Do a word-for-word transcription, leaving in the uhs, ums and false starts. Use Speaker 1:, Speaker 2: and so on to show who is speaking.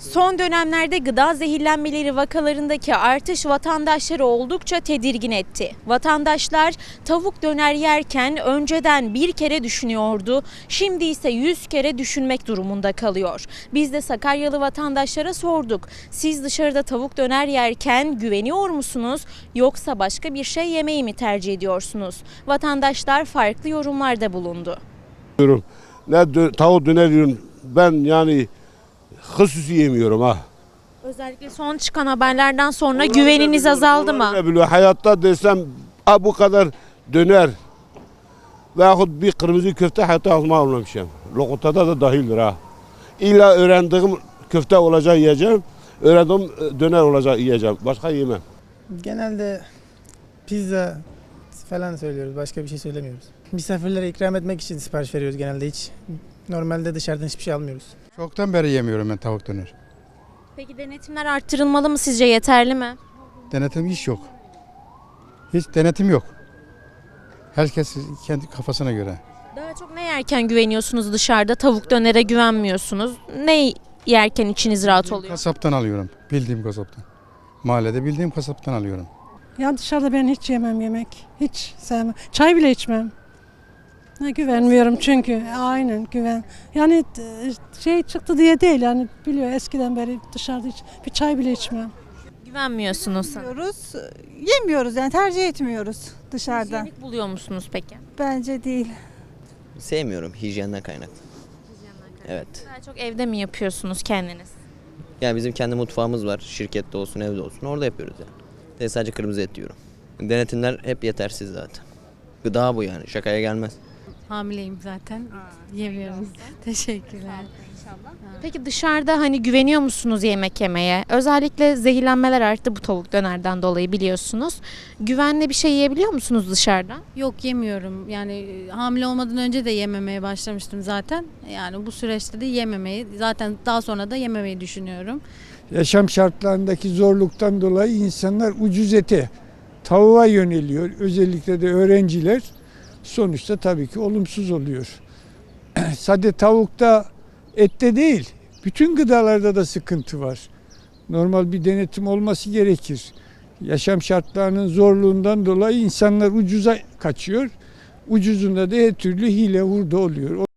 Speaker 1: Son dönemlerde gıda zehirlenmeleri vakalarındaki artış vatandaşları oldukça tedirgin etti. Vatandaşlar tavuk döner yerken önceden bir kere düşünüyordu, şimdi ise yüz kere düşünmek durumunda kalıyor. Biz de Sakaryalı vatandaşlara sorduk. Siz dışarıda tavuk döner yerken güveniyor musunuz yoksa başka bir şey yemeyi mi tercih ediyorsunuz? Vatandaşlar farklı yorumlarda bulundu.
Speaker 2: Ne dö- tavuk döner yiyorum. Ben yani hususi yemiyorum ha.
Speaker 1: Özellikle son çıkan haberlerden sonra güveniniz azaldı mı?
Speaker 2: Ne biliyor, hayatta desem ha bu kadar döner veyahut bir kırmızı köfte hayatta ağzıma almamışım. Lokantada da dahildir ha. İlla öğrendiğim köfte olacak yiyeceğim. Öğrendiğim döner olacak yiyeceğim. Başka yemem.
Speaker 3: Genelde pizza falan söylüyoruz. Başka bir şey söylemiyoruz. Misafirlere ikram etmek için sipariş veriyoruz genelde hiç. Normalde dışarıdan hiçbir şey almıyoruz.
Speaker 4: Çoktan beri yemiyorum ben tavuk döner.
Speaker 1: Peki denetimler arttırılmalı mı, sizce yeterli mi?
Speaker 4: Denetim hiç yok. Hiç denetim yok. Herkes kendi kafasına göre.
Speaker 1: Daha çok ne yerken güveniyorsunuz dışarıda? Tavuk dönere güvenmiyorsunuz. Ne yerken içiniz rahat oluyor?
Speaker 4: Kasaptan alıyorum. Bildiğim kasaptan. Mahallede bildiğim kasaptan alıyorum.
Speaker 5: Ya dışarıda ben hiç yemem yemek. Hiç sevmem. Çay bile içmem. Ha, güvenmiyorum çünkü. Aynen güven. Yani e, şey çıktı diye değil yani biliyor eskiden beri dışarıda hiç bir çay bile içmem.
Speaker 1: Güvenmiyorsunuz sanırım.
Speaker 6: Yemiyoruz, yemiyoruz yani tercih etmiyoruz dışarıda.
Speaker 1: Hijyenik buluyor musunuz peki?
Speaker 6: Bence değil.
Speaker 7: Sevmiyorum hijyenden kaynaklı. Evet.
Speaker 1: Daha çok evde mi yapıyorsunuz kendiniz?
Speaker 7: Yani bizim kendi mutfağımız var. Şirkette olsun, evde olsun. Orada yapıyoruz yani. De sadece kırmızı et yiyorum. Denetimler hep yetersiz zaten. Gıda bu yani. Şakaya gelmez.
Speaker 8: Hamileyim zaten. Yemiyorum. Teşekkürler.
Speaker 1: Peki dışarıda hani güveniyor musunuz yemek yemeye? Özellikle zehirlenmeler arttı bu tavuk dönerden dolayı biliyorsunuz. Güvenli bir şey yiyebiliyor musunuz dışarıdan?
Speaker 8: Yok yemiyorum. Yani e, hamile olmadan önce de yememeye başlamıştım zaten. Yani bu süreçte de yememeyi, zaten daha sonra da yememeyi düşünüyorum.
Speaker 9: Yaşam şartlarındaki zorluktan dolayı insanlar ucuz ete, tavuğa yöneliyor. Özellikle de öğrenciler sonuçta tabii ki olumsuz oluyor. Sade tavukta, ette değil, bütün gıdalarda da sıkıntı var. Normal bir denetim olması gerekir. Yaşam şartlarının zorluğundan dolayı insanlar ucuza kaçıyor. Ucuzunda da her türlü hile hurda oluyor.